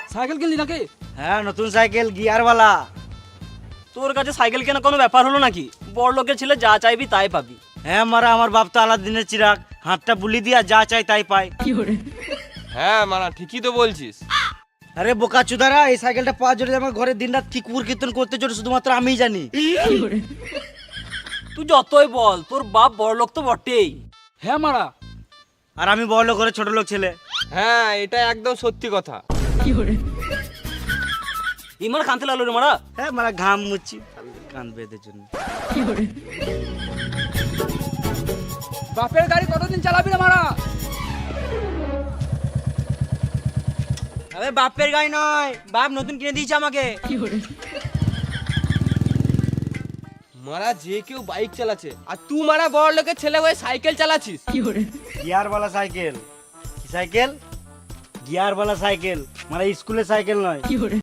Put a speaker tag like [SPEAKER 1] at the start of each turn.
[SPEAKER 1] Cycle কিনলি নাকি?
[SPEAKER 2] হ্যাঁ নতুন সাইকেল গিয়ারওয়ালা।
[SPEAKER 3] তোর কাছে সাইকেল কেনা কোনো ব্যাপার হলো নাকি? বড় লোকের ছেলে যা চাইবি তাই পাবি।
[SPEAKER 2] হ্যাঁ মারা, আমার বাপ তো আলাদিনের চিরাগ, হাতটা বুলি দিয়া যা চাই তাই পায়।
[SPEAKER 4] হ্যাঁ মারা ঠিকই তো বলছিস।
[SPEAKER 2] আরে বোকা চুদারা, এই সাইকেলটা পাওয়ার জন্য আমার ঘরে দিনরাত কি কুকুর কীর্তন করতে চলে শুধুমাত্র আমিই জানি।
[SPEAKER 3] তুই যতই বল তোর বাপ বড় লোক তো বটেই।
[SPEAKER 1] হ্যাঁ মারা।
[SPEAKER 2] আর আমি বড় লোক ঘরে ছোট লোক ছেলে।
[SPEAKER 4] হ্যাঁ এটা একদম সত্যি কথা।
[SPEAKER 3] ইমার কানতে লাগলো রে মারা।
[SPEAKER 2] হ্যাঁ মারা, ঘাম মুচ্ছি কান বেঁধে জন্য।
[SPEAKER 1] বাপের গাড়ি কতদিন চালাবি রে মারা?
[SPEAKER 2] আরে বাপের গাড়ি নয়, বাপ নতুন কিনে দিয়েছে আমাকে।
[SPEAKER 4] মারা যে কেউ বাইক চালাচ্ছে আর তুই মারা বড় লোকের ছেলে হয়ে সাইকেল চালাচ্ছিস।
[SPEAKER 2] গিয়ারওয়ালা সাইকেল। কি সাইকেল? গিয়ারওয়ালা সাইকেল, মানে স্কুলের সাইকেল নয়।